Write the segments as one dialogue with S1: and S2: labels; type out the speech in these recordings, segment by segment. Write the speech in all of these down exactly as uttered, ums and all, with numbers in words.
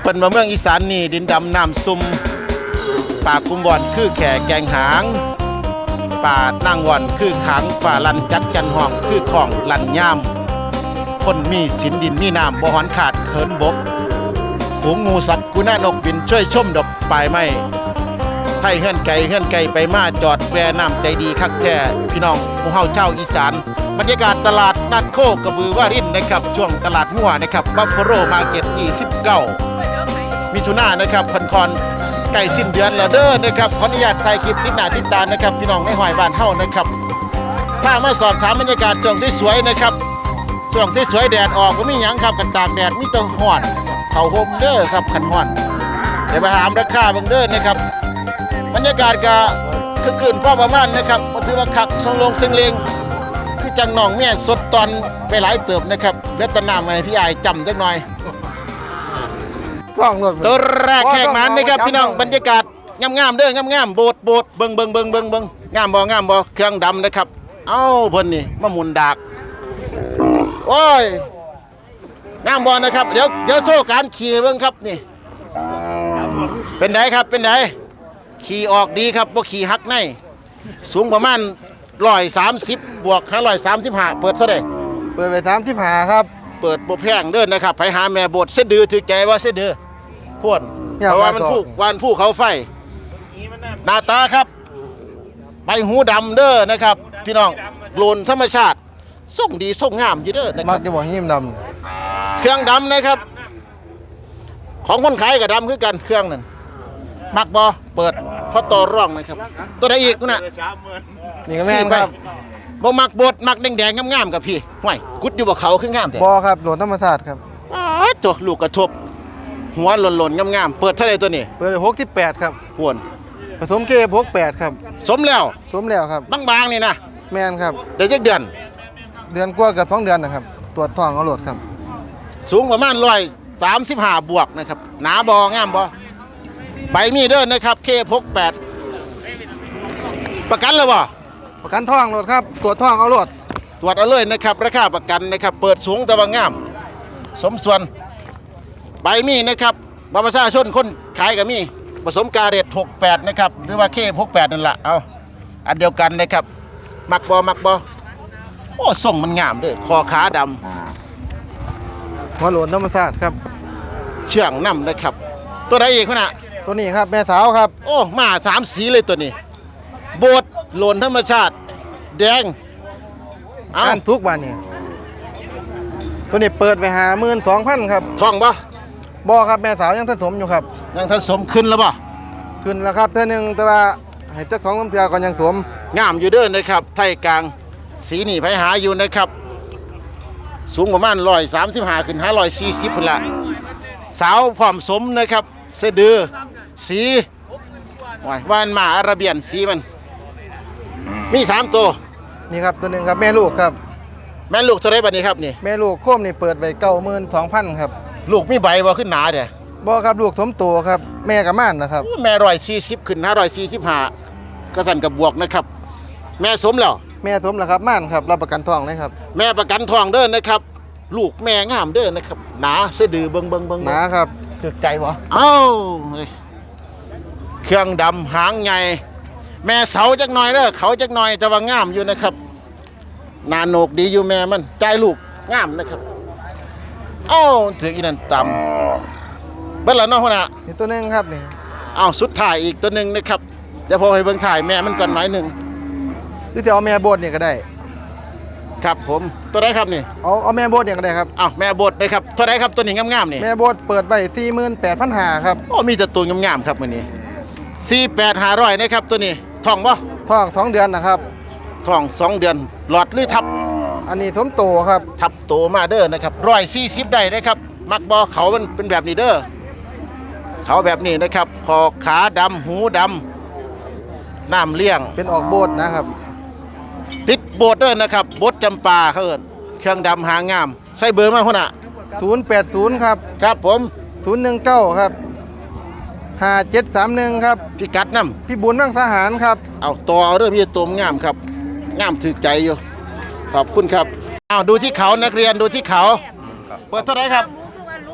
S1: เพิ่นมาเมืองอีสานนี่ดินดำน้ำซุ่มป่าคุมบอนคือแข่แกงหางป่านางวอนคือขังฝ่าลันจักจันห้องคือของลันย่ามคนมีสินดินมีน้ำบ่หอนขาดเขินบกฝูงงูสัตว์กุน่านกบินช่วยชมดอกปลายไม้ไทยเฮือนไก่เฮือนไก่ไปมาจอดแวน้ำใจดีคักแท้พี่น้องหมู่เฮาเจ้าอีสานบรรยากาศตลาดนัดโคกระบือวารินนะครับช่วงตลาดงัวนะครับบัฟฟาโลมาร์เก็ตยี่สิบเก้ามิถุนายนนะครับคอนคอนใกล้สิ้นเดือนแล้วเด้อนะครับขออนุญาตถ่ายคลิปติดหน้าติดตานะครับพี่น้องในหอยบ้านเฮานะครับถ้ามาสอบถามบรรยากาศช่วงสวยๆนะครับช่วงสวยๆแดดออกก็มีหยังครับกันตากแดดมีแตะฮ้อนเข้าห่มเด้อครับคันฮ้อนเดี๋ยวไปถามราคาเบิ่งเด้อนะครับบรรยากาศก็คือคืนพอประมาณนะครับบ่ถือว่าคักทรงลงซึ่งเลงคือจังน้องแม่สดตอนไปหลายเติบนะครับเลือดตะน้ำให้พี่อายจำจักหน่อย
S2: ต้องรถ
S1: ตัวแรกแขกมันนะครับพี่น้องบรรยากาศงามๆเด้องามๆโบดโบดเบิ่งเบิ่งเบิ่งเบิ่งเบิ่งงามบ่งามบ่เครื่องดำนะครับเอ้าเพิ่นนี่มาหมุนดากโอ้ยงามบ่นะครับเดี๋ยวเดี๋ยวโชว์การขี่เบิ่งครับนี่เป็นไดครับเป็นไดขี่ออกดีครับบ่ขี่หักในสูงประมาณหนึ่งร้อยสามสิบบวกห้าร้อยสามสิบห้าเปิดเท่าใด
S2: เปิดไปสามที่หาครับ
S1: เปิดบ่แพงเด้อนะครับไปหาแม่โบดเสดือถือใจว่าเสดือพ่วนเพราะว่ามันผู้วานผู้เขาไฟหน้าตาครับใบหูดำเด้อนะครับพี่น้องโกลนธรรมชาติส่งดีส่งงามอยู่เด้อนะค
S2: มั
S1: รั
S2: ก
S1: บ
S2: จะบอกหิมด
S1: เครื่องดำนะครับของคนขายกับดำคือกันเครื่องนั่นมักบอเปิดเพราะต่อร่องนะครับตัวใดอีกนะ
S2: ำนี่ก็แม่นครับ
S1: บ่มักบดมักแดงๆงามๆกับพี่ห่วยกุดอยู่บ่เขาคืองามแต่
S2: บอครับโหลดธรรมศาสตร์ครับ
S1: อ้าวตัวลูกกระทบหัวหล่นๆงามๆเปิดเท่าไหร่ตัวนี้
S2: เปิดหกที่แปดครับ
S1: พ่วน
S2: ผสมเกบหกแปดครับ
S1: สมแล้ว
S2: สมแล้วครับ
S1: บางๆนี่นะ
S2: แม่นครับ
S1: เดี๋ยวจักเดือน
S2: เดือนกว่ากับสองเดือนนะครับตรวจท้องเอาโหลดครับ
S1: สูงประมาณร้อยสามสิบห้าบวกนะครับหนาบองามบอใบมีเด้อนะครับเคพกแปดประกันแล้วบ่
S2: ประกันท้องโหลดครับตรวจท้องเอาโหลด
S1: ตรวจเอาเลยนะครับราคาประกันนะครับเปิดสูงแต่ว่างาม สมส่วนใบมีนะครับบัตรประชาชนคนขายกับมีผสมกาเรตหกแปดนะครับหรือว่าเคพกแปดนั่นแหละเอาอันเดียวกันนะครับมักบอมักบอโอ้ส่งมันงามเด้อคอขาดำ
S2: หัวโหลดธรรมศาสตร์ครับ
S1: เชื่องน้ำนะครับตัวใดอีกขนาด
S2: ตัวนี้ครับแม่สาวครับ
S1: โอ้มาสามสีเลยตัวนี้โบดโหลนธรรมชาติแดงเอา
S2: อันทุกวันนี่ตัวนี้เปิดไปหาหมื่นสองพันครับ
S1: ท่องปะ
S2: บอครับแม่สาวยังผสมอยู่ครับ
S1: ยังทันสมขึ้นแล้วปะ
S2: ขึ้นแล้วครับเท่านึงแต่ว่าให้เจ้าของน้ำเกลือก่อนยังสวม
S1: งามอยู่เด้อนะครับไทยกลางสีนี่ไปหาอยู่นะครับสูงประมาณร้อยสามสิบห้าขึ้นห้าร้อยสี่สิบพุ่นละสาวผอมสมนะครับเสะดือสีว้ายว่านหมาอาราเบียนสีมันมีสามตัว
S2: นี่ครับตัวหนึ่งครับแม่ลูกครับ
S1: แม่ลูกเท่าไรบัดนี้ครับนี่
S2: แม่ลูกโค้มนี่เปิดไว้เก้าหมื่นสองพันครับ
S1: ลูกมีใบบ่ขึ้นหนาเด้
S2: บอครับลูกสมตัวครับแม่กับม่านนะครับ
S1: แม่ร้อยสี่สิบขึ้นห้าร้อยสี่สิบห้าก็สั่นกับบวกนะครับ แม่สมแล้ว
S2: แม่สมแล้วครับม่านครับรับประกันทองเลยครับ
S1: แม่ประกันทองเด้อนะครับ ลูกแม่งามเด้อนะครับหนาเสะดือเบิงเบิงเบิง
S2: หนาครับ
S1: ถึกใจบ่เอ้าเครื่องดำหางใหญ่แม่เสาจักหน่อยเด้อเขาจักหน่อยแต่ว่างามอยู่นะครับหนาโหนกดีอยู่แม่มันใจลูกงามนะครับเอ้าถึงอีนั่นต่ำเบิ่งแล้วเนาะพุ่นน่ะ
S2: นี่ตัวหนึงครับนี่
S1: เอ้าสุดท้ายอีกตัวหนึงนะครับเดี๋ยวพอให้เบิ่งถ่ายแม่มันก่อนหน่อยหนึง
S2: หรือจะเอาแม่โบดเนี่ยก็ได้
S1: ครับผมตัวไหนครับนี่
S2: เอาเอาแม่โบดเนี่ยก็ได้ครับ
S1: อ้าวแม่บดนะครับตัวไหนครับตัวนี้งามๆนี่
S2: แม่โบดเปิดไว้สี่หมื่นแปดพันห้าครับ
S1: โอ้มีแต่ตัวงามๆครับมื้อนี้สี่แปดห้าร้อยนะครับตัวนี้ท้องบ่
S2: ท้องสองเดือนนะครับ
S1: ท้องสองเดือนหลอดหรือทับ
S2: อันนี้สมโตครับ
S1: ทับโตมาเด้อนะครับร้อยสี่สิบได้นะครับมักบอเขามันเป็นแบบนี้เด้อเขาแบบนี้นะครับคอขาดำหูดำน้ำเลี้ยง
S2: เป็นออกโบดนะครับ
S1: ติดโบดเด้อนะครับโบดจำปาเขาเอิ้นเครื่องดำหางามใส่เบอร์มาคนน่ะ
S2: ศูนย์แปดศูนย์ครับ
S1: ครับผม
S2: ศูนย์หนึ่งเก้าครับห้าเจ็ดสามหนึ่งครับ
S1: พิกัดน้
S2: พี่บุญนั่งทหารครับ
S1: ำเอาต่อเอาเด้อพี่ตัวงามครับงามถึกใจอยู่ขอบคุณครับเอาดูที่เขานักเรียนดูที่เขาเปิดเท่าไหร่ครับ
S3: คือว่าลูก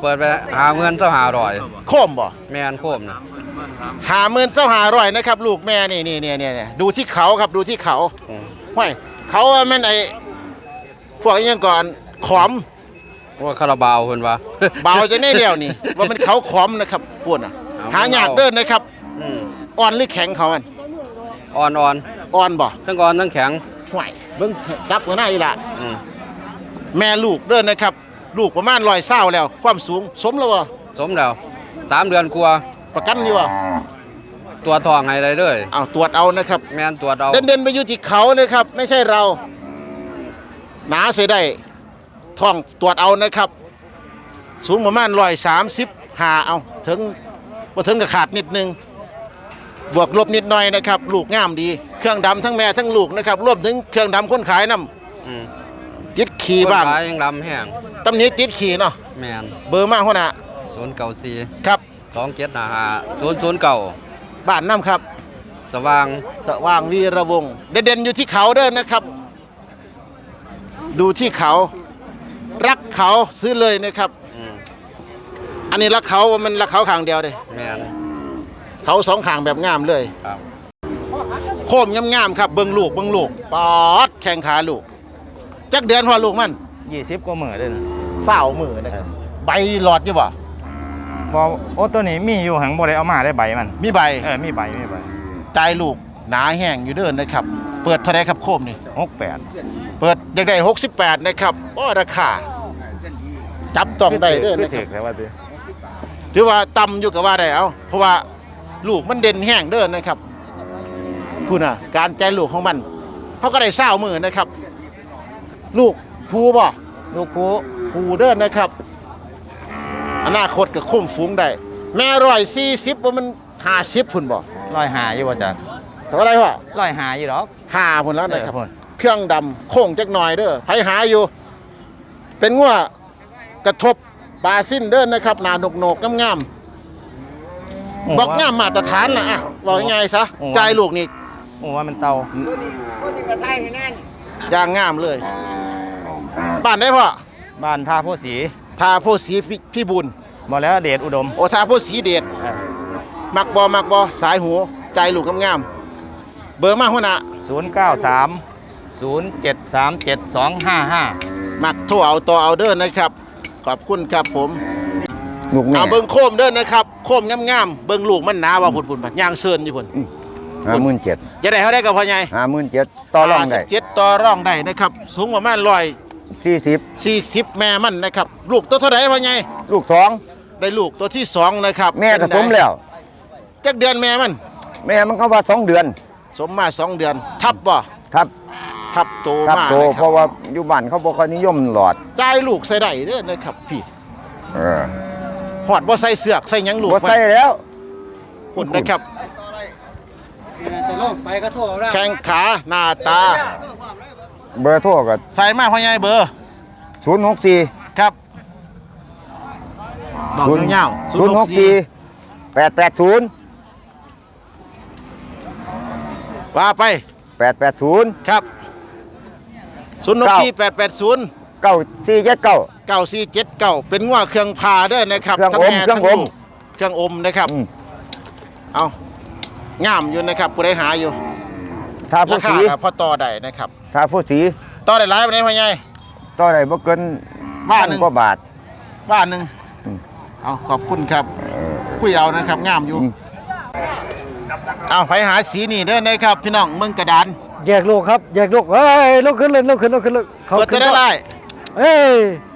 S3: เปิดไปหาเงินเจ้าหาร่อย
S1: โคมบ่
S3: แม่นโคมนะ
S1: หาหมื่นเส้าหาร้อยนะครับ ลูกแม่นี่นี่นี่นี่นี่ดูที่เขาครับดูที่เขา
S3: อืม
S1: ห้อยเขาว่าแม่นไอ้พวกอิหยังก่อนขอม
S3: ว่าคาราบาวเพิ่นว่า
S1: เบาจะได้เดียวนี่ ว่ามันเขาขอมนะครับพวกน่ะ
S3: เอา
S1: หายากเดินนะครับ
S3: อืม
S1: อ่อนหรือแข็งเขามัน
S3: อ่อนอ่อน
S1: อ่อนบ่
S3: ทั้งอ่อนทั้งแข็ง
S1: ห้วยเบิ่งจับหัวหน้าอีหละ
S3: อืม
S1: แม่ลูกเดินนะครับ ลูกประมาณร้อยเศร้าแล้ว ความสูงสมแล้วบ่
S3: สมแล้วสามเดือนกว่า
S1: ประกันอยู่บ่
S3: ตัวทองให้ได้เลย
S1: เอาตรวจเอานะครับ
S3: แม่นตัวเอา
S1: เด่นเด่นๆไปอยู่ที่เขานะครับ ไม่ใช่เรา หนาเสียได้ท่องตรวจเอานะครับ สูงประมาณร้อยสามสิบหาเอาถึงว่าถึงกับขาดนิดนึง บวกลบนิดหน่อยนะครับ ลูกงามดี เครื่องดำทั้งแม่ทั้งลูกนะครับรวมถึงเครื่องดำคนขายน้
S3: อืม
S1: ำติดขี่บ้าง
S3: คนขายยังลำแห้ง
S1: ตำหนี้ติดขี่เนาะ
S3: แม่น
S1: เบอร์มากหัวหน้า
S3: ศูนย์เก้าสี่
S1: ครับ
S3: สองเจ็ดห้าห้าศูนย์ศูนย์เก้า
S1: บ้านน้ำครับ
S3: สว่าง
S1: สว่างวีระวงศ์เด่นๆอยู่ที่เขาเด้อนะครับ ดูที่เขา รักเขาซื้อเลยนะครับ
S3: อืม
S1: อันนี้รักเขาว่ามันรักเขาข้างเดียวเลย
S3: แม่น
S1: เขาสองข้างแบบงามเลย
S3: ครับ
S1: โคมงามๆครับเบิ่งลูกเบิ่งลูกปอดแข้งขาลูกจักเดือนพอลูกมัน
S4: ยี่สิบกว่าหมื่นเลยนะ
S1: เศร้ามือนะครับใบหลอดอยู่บ่
S4: บอโอ้ตัวนี้มีอยู่หังบ่ได้เอามาได้ใบมัน
S1: มีใบ
S4: เออมีใบมีใบ
S1: ใจลูกหนาแห้งอยู่เด้อนนะครับ เปิดเท่าไรครับโคมนี่
S4: หกแปด
S1: เปิดอยากได้หกสิบแปดนะครับก็ราคาจับต้องได้เด้อนะค
S4: ถื
S1: รับ
S4: อแล้วว่าสิ
S1: ถือว่าต่ำอยู่กับว่าได้เอาเพราะว่าลูกมันเด่นแห้งเด้อนนะครับพูดนะการใจลูกของมันเขาก็ได้เศร้ามือนะครับ ลูกภูบ่
S4: ลูกผู้
S1: ภูเด้อนนะครับ อนาคตกับคุ้มฝูงได้ แม่ร้อยสี่สิบว่ามันห้าสิบพุ่นบ่
S4: ร้อยหาอยู่ว่าจัก
S1: เท่าไรวะ
S4: ร้อยหาอยู่ดอก
S1: ห้าพุ่นแล้วนะครับ
S4: เออพุ่น
S1: เครื่องดำโค้งจักหน่อยเด้อไผหาอยู่ เป็นงัวกระทบบาซินเด้อนนะครับหน้าหนกหนกงามๆบอกงามมาตรฐานนะอ่ะบอกยังไงซะใจายลูกนี่
S4: โอ้ว่ามันเตา
S1: ย่างงามเลยบ้านได้พ่อ
S4: บ้านท่าโพสี
S1: ทาโพสีพี่พี่บุญ
S4: บ่แล้วเดชอุดม
S1: โอทาโพสีเดช
S4: เออ
S1: มักบอมักบอสายหูใจลูกงามๆเบอร์มาหัวหน้า
S4: ศูนย์เก้าสามศูนย์เจ็ดสามเจ็ดสองห้าห้า
S1: มักโทรเอาต่อเอาเด้อนะครับ ขอบคุณครับผม
S2: ลูกแม่
S1: เอาเบิ่งโคมเด้อนะครับโคมงามๆเบิ่งลูกมันหนาว่าพุ่นๆบัดย่างเซินอยู่พุ่น
S2: ห้าหมื่นเจ็ด
S1: จะได้เท่าได้กับพ่อใหญ่
S2: ห้าหมื่นเจ็ดต่อรองได้
S1: เจ็ดต่อรองได้นะครับ สูงประมาณร้อย
S2: สี่สิบ
S1: สี่สิบแม่มันนะครับ ลูกตัวเท่าไหร่พ่อใหญ่
S2: ลูกสอง
S1: ได้ลูกตัวที่สองนะครับ
S2: แม่ก็สมแล้ว
S1: จักเดือนแม่มัน
S2: แม่มันก็ว่าสองเดือน
S1: สมมาสองเดือน ทับบ่
S2: ทับ
S1: ทับโต
S2: ทับ
S1: มา
S2: โต
S1: นะ
S2: เพ
S1: ครับ
S2: ราะว่าอยู่บ้านเขาบอกเขานิยมหลอด
S1: จ่ายลูกใส่ได้เด้อนะครับพี่
S2: เออ
S1: หอดบ่ใส่เสือกใส่หยังลูก
S2: บ่
S1: มัน
S2: ใช่แล้ว
S1: พุ่นนะครับแข้งขาหน้าตา
S2: เบอร์โทรก็
S1: ใส่มาพ่อใหญ่เบอร์
S2: ศูนย์หกสี่
S1: ครับบอกยาวๆ
S2: ศูนย์หกสี่แปดแปดศูนย์
S1: ว่าไป
S2: แปดแปดศูนย์
S1: ครับศูนย์หกสี่แปดแปดศูนย์
S2: เก้าสี่เจ็ดเก้า
S1: เก้าสี่เจ็ดเก้าเป็นงัวเครื่องพาเด้อนะครับ
S2: เครื่อง
S1: ทั้
S2: อม
S1: แ
S2: เครื่องอม
S1: ทั้ลูกเครื่องอมนะครับ
S2: อืม
S1: เอางามอยู่นะครับผู้ใดหาอยู่
S2: ทา
S1: รา
S2: ผู้
S1: คา
S2: สี
S1: ก็พอต่อได้นะครับ
S2: ทาผู้สี
S1: ต่อได้หลายปานใดพ่อใหญ่
S2: ต่อได้บ่เกิน
S1: ว่าหนึ่ง
S2: พักว่าบาท
S1: ว่าหนึ่ง
S2: อืม
S1: เอาขอบคุณครับ
S2: เออ
S1: คุยเอานะครับงามอยู่
S2: อืม
S1: เอาไปหาสีนี่เด้อนะครับพี่น้องเมืองกระดาน
S5: แยกลูกครับแยกลูกเฮ้ยลูกขึ้นเลยลูกขึ้นลูกขึ้นลูกเขา
S1: เปิด
S5: ขึ้
S1: จะ
S5: น
S1: ได้
S5: ก่อน
S1: ไล่
S5: เอ้ย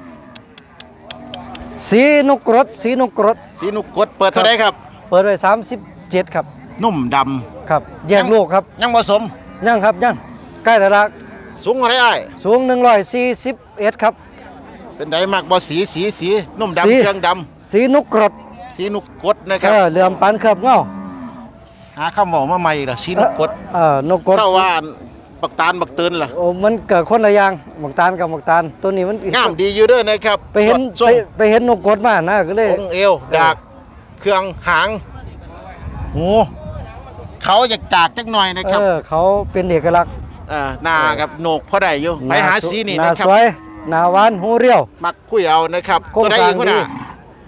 S5: สีนกกรดสีนกกรด
S1: สีนุกกดเปิดเท่าไรครับ
S5: เปิดไว้สามสิบเจ็ดครับ
S1: นุ่มด
S5: ครับ แยกลูกครับ
S1: ำยังผสม
S5: ยังครับยังใกล้แล้วละ
S1: สูงเท่าไรอ้าย
S5: สูงหนึ่งร้อยสี่สิบเอ็ดครับ
S1: เป็นไดมากบ่สีสีสีนุ่ม
S5: สี
S1: ดำเครื่องด
S5: สีนกกรด
S1: ำสีนุกกดนะค
S5: เอ
S1: รับ
S5: อเหลื่อมปันเคลือบเงา
S1: หาคำบอกมาใหม่ละสีนุกกด
S5: เออนกกรด
S1: เศร้าว่าปักตาลบักเตือนล่ะ
S5: โอ้มันเกิดคนละอย่างหมกตาลกับหมกตาลตัวนี้มัน
S1: งามดีอยู่เด้อนะครับ
S5: ไปเห็น
S1: สด
S5: ไป
S1: ส้ม
S5: ไปเห็นนกกรดมานะก็เลย
S1: องค์เอวดากเครื่องหางหูเขาอยากจากจักหน่อยนะค
S5: เอ
S1: รับ
S5: อเขาเป็นเอกลักษณ์
S1: เอ่อหน้ากับโหนกพอได้อยู่ไปหาสีนี่
S5: หน้า
S1: นะครับ
S5: สวยหน้าหวานหูเรียว
S1: มักคุยเอานะครับ
S5: โครง
S1: ตัวใด
S5: สร้าง
S1: อีกคนน่ะ
S5: ดี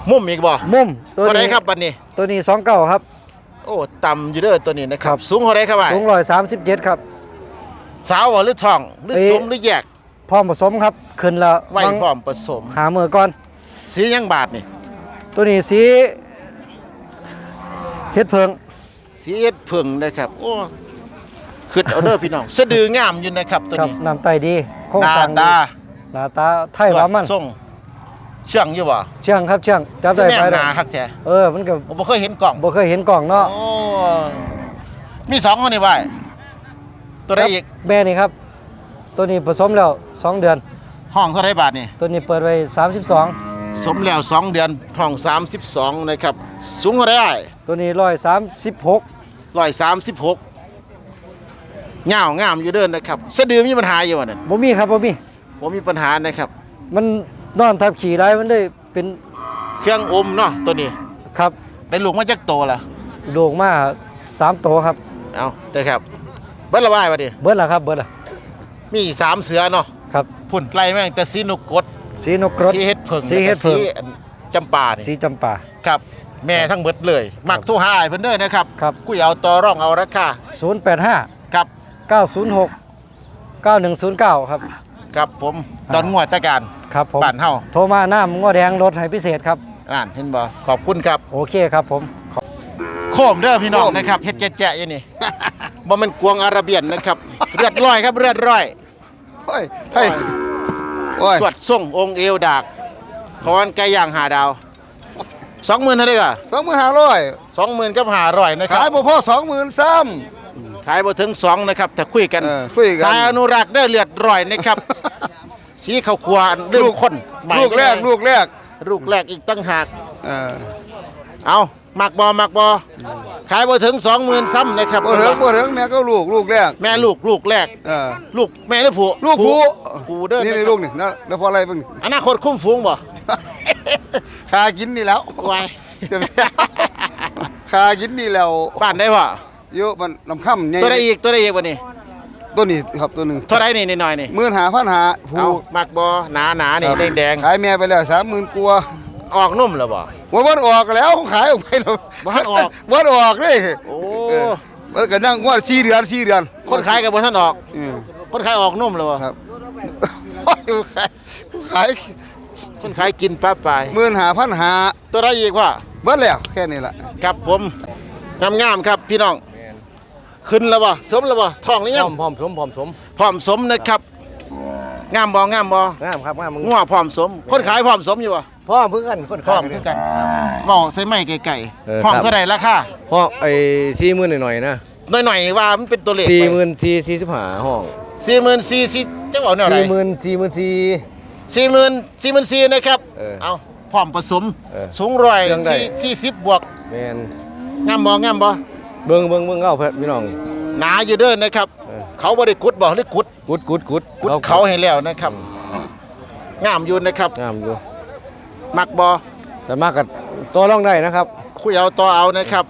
S1: มุมอีกบ่
S5: มุมตัว
S1: เท่าไหร
S5: นี้
S1: ครับบัดนี้
S5: ตัวนี้สองเก้าครับ
S1: โอ้ต่ำอยู่เด้อตัวนี้นะครั
S5: ครับ บ
S1: สูงเท่าไหรครับว่า
S5: สูงร้อยสามสิบเจ็ดครับ
S1: สาวบ่หรือทองหรือ
S5: เอ๊ะ
S1: สมหรือแยก
S5: พร้อมผสมครับขึ้นแล้ว
S1: ไว้พร้อมผสม
S5: หามือก่อน
S1: สีหยังบาทนี่
S5: ตัวนี้สีเฮ็ดเพิง
S1: สีเอ็ดผึ่งนะครับโอ้ขึ้นเอาเด้อพี่น้องสะดืองามอยู่นะครับตัว
S5: ครับ
S1: นี้
S5: น้ำไตดีโครง
S1: หน้า
S5: สร้างดี
S1: ตา
S5: หน้าตาไทยว่ามัน
S1: ส่งเชื่องอยู่บ่
S5: เชื่องครับเชื่องจับได้
S1: แน่
S5: ไป
S1: ห
S5: ได้
S1: นาคักแท้
S5: เออมันก็
S1: ผมบ่เคยเห็นกล่อง
S5: บ่เคยเห็นกล่องเนาะ
S1: โอ้มีสองคนนี่ไว้ตัวใดอีก
S5: แม่นี่ครับ ตัวนี้ผสมแล้วสองเดือน
S1: ห้องเท่าไรบาทนี่
S5: ตัวนี้เปิดไว้สามสิบสอง
S1: สมแล้วสองเดือนห้องสามสิบสองนะครับสูงเท่าไร
S5: ตัวนี้ร้อยสามสิบหก
S1: ร้อยสามสิบหกเงางามอยู่เดินนะครับสะดือมีปัญหาอยู่วะนั่น
S5: บ่มีครับบ่มี
S1: ผมมีปัญหานะครับ
S5: มันนอนทับขี่ได้มันได้เป็น
S1: เครื่องอมเนาะตัวนี้
S5: ครับ
S1: ได้ลูกมาจากโตละ
S5: โด่งมาสามตัวครับ
S1: เอาเด้อครับเบิ้ลละบายวะดิ
S5: เบิดละครับเบิดละ
S1: มีสามเสือเนาะ
S5: ครับ
S1: พุ่นไล่แม่งแต่สีนุกกด
S5: สีนกกรด
S1: สีเฮ็ดเผิง
S5: สีเฮ็ดเผิง
S1: แล้วก็สีอันจำปานี่
S5: สีจำปา
S1: ครับแม่ทั้งเบิดเลย มักโทุหายเพิ่นเด้อนะครับ
S5: ครับ
S1: คุยเอาต่อร่องเอาราคา
S5: ศูนย์แปดห้า
S1: ครับ
S5: เก้าศูนย์หกเก้าหนึ่งศูนย์เก้าครับ
S1: ครับผมดอนงวดตะการ
S5: ครับผม
S1: บ้านเฮา
S5: โทรมาน้ำง้อแดงรถให้พิเศษครับ
S1: อ่านเห็นบ่ขอบคุณครับ
S5: โอเคครับผม
S1: โคมเด้อพี่น้องนะครับเฮ็ดแจ๊ะๆอยู่นี่ บ่แม่นกวงอาระเบียนนะครับ เลือดร้อยครับเลือดร้อย
S2: โอ้ยเฮ้ยโอ้ย
S1: สวดส่งองค์เอวดากพรไก่ย่างหาดาวสองหมื่นเท่าไหร่ก็
S2: สองหมื่นห้าร้อย
S1: สองหมื่นกับห้าร้อยนะครั
S2: ขาย
S1: บ
S2: บ่พอสองหมื่นซ้
S1: ขายบ่ถึงสองนะครับแต่คุยกัน
S2: เออคุยกัน
S1: สายอนุรักษ์เด้อเลือดร้อยนะครับ สีข้าวคั่วเรื่องคนใหม่
S2: ำลูกแรกลูกแรก
S1: ลูกแรกอีกตั้งหาก
S2: เออ
S1: เอามักบ่มักบ่ขายบ่ถึงสองหมื่นซ้ำนะครับ
S2: บ่ถึงบ่ถึงแม่ก็ลูกลูกแรก
S1: แม่ลูกลูกแรก
S2: เออ
S1: ลูกแม่หรือผู้
S2: ลูกผู้
S1: ผู้เด้อ
S2: นี่
S1: นะค
S2: นี่
S1: รับ
S2: ลูกนี่นะแล้วพออะไรเบิ่ง
S1: อนาคตคุ้มฟูงบ่
S2: คากินนี่แล้ว
S1: ไว้
S2: คากินนี่แล้ว
S1: บ้านได้บ่
S2: เยอะมันลำค่ำใหญ่
S1: ตัวใดอีกตัวใดอีกบ่นี่
S2: ตัวนี้ครับตัวหนึง
S1: เท่าไรนี่นิดหน่อยนี่
S2: หมื่นห้าพันห้า
S1: เอา
S2: ผู้
S1: มักบ่หนาหนาๆนี่
S2: ครับ
S1: แดง
S2: ขายแม่ไปแล้วสามหมื่นกว่า
S1: ๆออกนุ่มแล้วบ่
S2: ว่าวันออกแล้วขายออกไปแล้ว
S1: บ่ทันออก
S2: วันออกเลย
S1: โอ้
S2: เออมันก็นั่งว่าสี่เดือนสี่เดือน
S1: คนขายก็บ่ทันออก
S2: อืม
S1: คนขายออกนุ่มแล้วบ่
S2: ครับ ขายขาย
S1: คนขายกินป้าปลาย
S2: หมื่นห้าพันห้า
S1: ตัวใดอีกว่า
S2: เบิดแล้วแค่นี้ล่ะ
S1: ครับผมงามๆครับพี่น้องขึ้นแล้วบ่สมแล้วบ่ท้องหรือ
S5: พ
S1: ยั
S5: ร้อง มพร้อมสมพร้อมสม
S1: พร้อมสมนะครับงามบ่งามบ่
S5: งามครับงามมึง
S1: งัวพร้อมสม คนขายพร้อมสมอยู่บ่
S5: พร้อมเพื่อนคน
S1: พร้อมคือกันเว้าใส่ไม้ไก่
S5: เออ
S1: ๆห้อง
S5: ครับ
S1: เท่าใดราคา
S5: ห้องไอ้สี่หมื่นหน่อยๆนะ
S1: หน่อยๆว่ามันเป็นตัวเลข
S5: สี่หมื่นสี่สี่สิบห้าห้อง
S1: สี่หมื่นสี่สิจะเอาแนวไหน
S5: สี่หมื่นสี่หมื่นสี่
S1: สี่หมื่นสี่หมื่นสี่นะครับ
S5: เออ
S1: เอาพร้อมผสม
S5: เออ
S1: สูงร้อย
S5: เครื่องได้
S1: สี่สี่สิบบวก
S5: แมน
S1: งามบ่งามบ่
S5: เบิ้งเบิ้งเบิ้งเอาเพื่อนพี่น้อง
S1: หนาอยู่เด้อนะครับ
S5: เออ
S1: เขาบ่ได้กุดบ่หรือกุด
S5: กุดกุดกุด
S1: กุดเขาให้แล้วนะครับ งามอยู่นะครับ
S5: งามอยู่
S1: มักบ่
S5: แต่มากกับตัวร่องได้นะครับ
S1: คุยเอาต่อเอานะครับ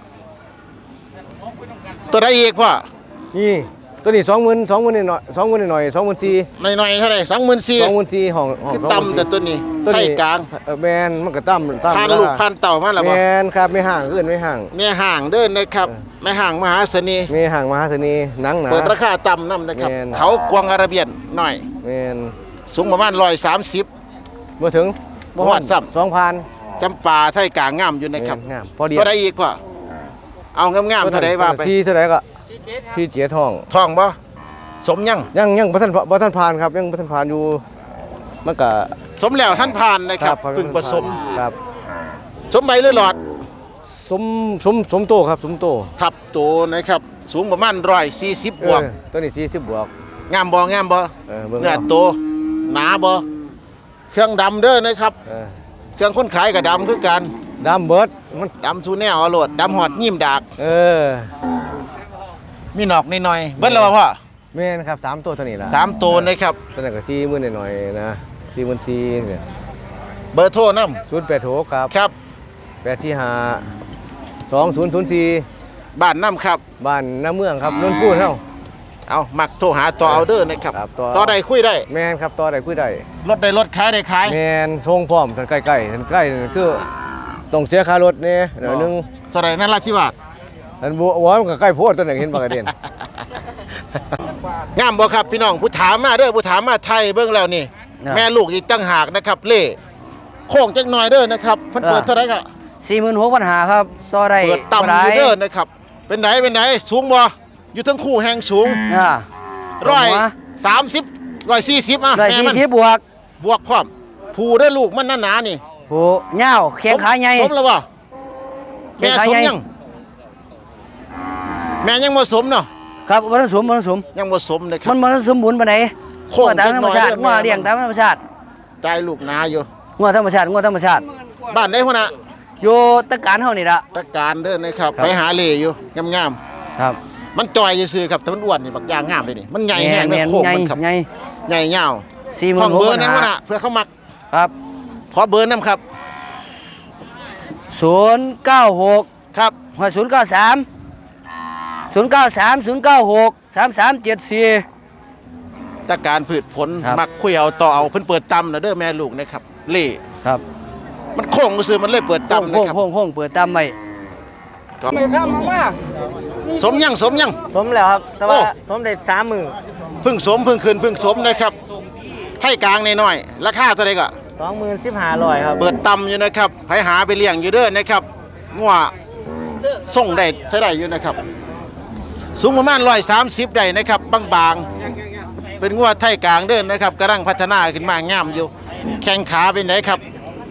S1: ตัวใดอีกพ่อ
S5: นี่ตัวนี้สองหมื่นสองหมื่นหน่อยสองหมื่นหน่อยสองหมื่นสี่
S1: หน่อยๆเท่าไหร่สองหมื่นสี่
S5: สองหมื่นสี่ห้องห้อง
S1: คือ
S5: สองหมื่น
S1: ต่ำแต่ตัวนี้
S5: ตัว
S1: ไทย
S5: นี้
S1: กลาง
S5: เออแมนมันก็ต่ำต่ำ
S1: พันลูกพันเต่ามาแล้ว
S5: แม
S1: บ่
S5: นครับไม่ห่างขึ้นไม่ห่าง
S1: แม่ห่างเด้อนะครับแม่ห่างมหาเสน่ห์
S5: ไม่ห่างมหาเสน่ห์หนังหนา
S1: เปิดราคาต่ำนํนะครับ
S5: แม่น
S1: เขากวางอาระเบียนหน่อย
S5: แมน
S1: สูงประมาณร้อยสามสิบ
S5: เมื่อถึง
S1: บ่ฮอดซ้ำ
S5: สองพัน
S1: จำปาไทยกลางงามอยู่นะครับ
S5: งามพอดี
S1: ตัวใดอีกพ่อเอางามๆเท่าใดว่าไป
S5: ที่เท่าไหร่ก็ที่เจียทอง
S1: ทองบ่สมยัง
S5: ยังยังบ่ทันบ่ทันผ่านครับยังบ่ทันผ่านอยู่มันก็
S1: สมแล้วท่านผ่านนะครับเพึ่งผสม
S5: ครับ
S1: สมใบหรือหลอด
S5: สมสมสมโตครับสมโต
S1: ทับโตนะครับ สูงประมาณร้อยสี่สิบบวก
S5: เออตัวนี้สี่สิบบวก
S1: งามบ่งามบ่
S5: เออเบิ่ง
S1: เนื้อ
S5: เอา
S1: โตหนาบ่เครื่องดำเด้อนะครับ
S5: เออ
S1: เครื่องคนขายกับดำคือกัน
S5: ดำเบิดมัน
S1: ดำสูแนวเอาโลดดำหอดยิ้มดาก
S5: เออ
S1: มีหนอกนิดหน่อยเบิ้ลแล้วบ่พ่อ
S5: แม่นครับสามตัวเท่านี้ล่ะ
S1: สามโตนะครับ
S5: ตัวนั้นก็สี่หมื่นหน่อยๆนะสี่หมื่นสี่เนี่ย
S1: เบอร์โทรนำ
S5: ศูนย์แปดหกครับ
S1: ครับ
S5: แปดสี่ห้าสองศูนย์ศูนย์สี่
S1: บ้านน้ำครับ
S5: บ้านน้าเมืองครับนนท์พูดเฮา
S1: เอามักโทรหาต่อเอาเด้อนะครับ
S5: ครับต่อ
S1: ต่อใดคุยได้
S5: แม่นครับต่อได้คุยได้
S1: รถได้รถขายได้ขาย
S5: แม่นทรงพร้อมทันใกล้ๆทันใกล้นั่นคือต้องเสียค่ารถนี่เดี๋ยวนึง
S1: เท่าไหร่นั่นราธิวาส
S5: อันบัวมันก็ใกล้โพดตัวหนึ่งเห็นปากกระเด็น
S1: งามบ่ครับพี่น้องผู้ถามมาเด้อผู้ถามมาไทยเบิ่งแล้วนี่ แม่ลูกอีกตั้งหากนะครับเล่โค้งจักหน่อยเด้อนะครับเพิ่นเปิดเท่าไหร่ก็
S6: สี่หมื่นหกพันหาครับซอได้
S1: เปิดต่ำอยู่เด้อนะครับเป็นไหนเป็นไหนสูงบ่อยู่ทั้งคู่แห่งสูง
S6: อ่า
S1: ร้อยสามสิบร้อยสี่สิบอ่ะ
S6: ร้อย
S1: แม่
S6: สี่
S1: มัน
S6: สิบบวก
S1: บวกพร้อมผู้ได้อลูกมันหนาๆนี่
S6: โหเง่าแข้งขาใหญ่
S1: สมแล้วบ่
S6: แข้
S1: แม่
S6: งขา
S1: สม
S6: ใหญ่
S1: ยังแม่ยังบ่สมเนาะ
S6: ครับมันสมมันสม
S1: ยังบ่สมนะครั
S6: มั
S1: บ
S6: นมันสมบูรณ์ปานใด
S1: โค้ง
S6: งัวตามธรรมชาติ
S1: จักหน่
S6: งั
S1: อ
S6: วย
S1: เด้อ
S6: เลี้ยงตามธรรมชาติ
S1: ใจลูกหนาอยู่
S6: งัวธรรมชาติงัวธรรมชาติ
S1: บ้านไหนหัวหน้า
S6: อยู่ตะการเฮานี่ล่ะ
S1: ตะการเด้อนะครับ
S6: ครับ
S1: ไปหาเล่อยู่งาม
S6: ครับ
S1: ๆมันจอยซื่อๆครับแต่มันอ้วนนี่บักอย่างงามเลยนี่มันใหญ่แห้ง
S6: แม่
S1: เด้อน
S6: ๆ
S1: โค้ง
S6: ใหญ่
S1: มันครับ
S6: ใหญ่
S1: ใหญ่ยาว
S6: สี่หมื่
S1: ห้อน ง
S6: หก
S1: เบอ
S6: พั
S1: ร์
S6: น
S1: นะ
S6: หา
S1: หัวหน้าเพื่อเขามัก
S6: ครับ
S1: ขอเบอร์นำครับ
S6: ศูนย์เก้าหก
S1: ครับ
S6: หัวศูนย์เก้าสามศูนย์เก้าสามศูนย์เก้าหกสามสามเจ็ดสี่
S1: ตะการพืชผล
S6: ครับ
S1: มักคุยเอาต่อเอาเพิ่นเปิดตำนะเด้อแม่ลูกนะครับเล่
S6: ครับ
S1: มันโค้งซื่อมันเลยเปิด
S6: โค้ง
S1: ตำนะ
S6: โค้ง
S1: ครับ
S6: โค้งโค้งเปิดตามไว้
S1: ครับสมยังสมยัง
S6: สมแล้วครับ แต่ว่า
S1: โอ้
S6: สมได้สามหมื่น
S1: เพึ่งสมเพึ่งคืนเพึ่งสมนะครับไทยกลางน้อยๆราคาเท่าไหร่ก็
S6: สองหมื่นสิบห้าร้อยครับ
S1: เปิดตำอยู่นะครับไปหาไปเลี้ยงอยู่เด้อนะครับงัวส่งได้ใช้ได้อยู่นะครับ สูงประมาณร้อยสามสิบได้นะครับบางๆเป็นงัวไทยกลางเด้อนะครับกำลังพัฒนาขึ้นมางามอยู่ แข้งขาเป็นไหนครับ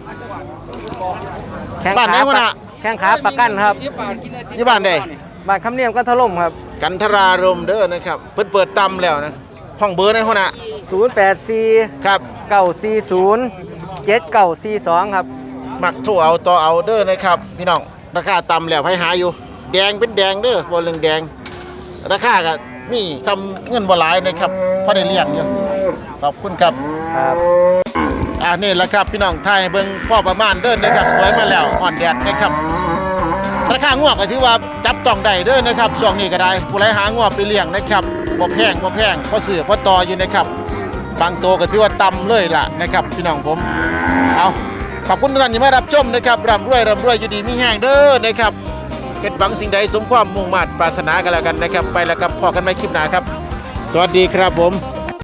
S6: แข้ง
S1: บ้านไหน
S6: ขาว
S1: ะน่ะ
S6: แข้งขาประกันครับ
S1: ยี่บ้านใด
S6: บ้านคำเนียมก็ถล่มครับ
S1: กันทรารมเด้อนะครับเพิ่นเปิดตำแล้วนะห้องเบอร์ในหัวหน้า
S6: ศูนย์แปดสี่
S1: ครับ
S6: เก้าสี่ศูนย์เจ็ดเก้าสี่สองครับ
S1: มักโทรเอาต่อเอาเด้อนะครับพี่น้องราคาต่ำแล้วให้หาอยู่ แดงเป็นแดงเด้อบ่เรื่องแดง ราคาก็มีซ้ำเงินบ่หลายนะครับพอได้เลี้ยงอยู่ขอบคุณครับ
S6: ครับ
S1: อ่านี่แหละครับพี่น้องไทยเบิ่งพ่อประมาณเด้อนะครับสวยมาแล้วอ่อนแดดนะครับราคางัวก็ถือว่าจับต้องได้เด้อนะครับช่วงนี้ก็ได้ผู้ใดหางัวไปเลี้ยงนะครับบ่แพงบ่แพงพอซื้อพอต่ออยู่นะครับบางตัวก็ถือว่าต่ำเลยล่ะนะครับพี่น้องผมเอาขอบคุณทุกท่านที่มารับชมนะครับร่ำรวยร่ำรวยอยู่ดีมีแห้งเด้อนะครับเฮ็ดหวังสิ่งใดสมความมุ่งมั่นปรารถนากันแล้วกันนะครับไปแล้วครับพอกันใหม่คลิปหน้าครับ สวัสดีครับผม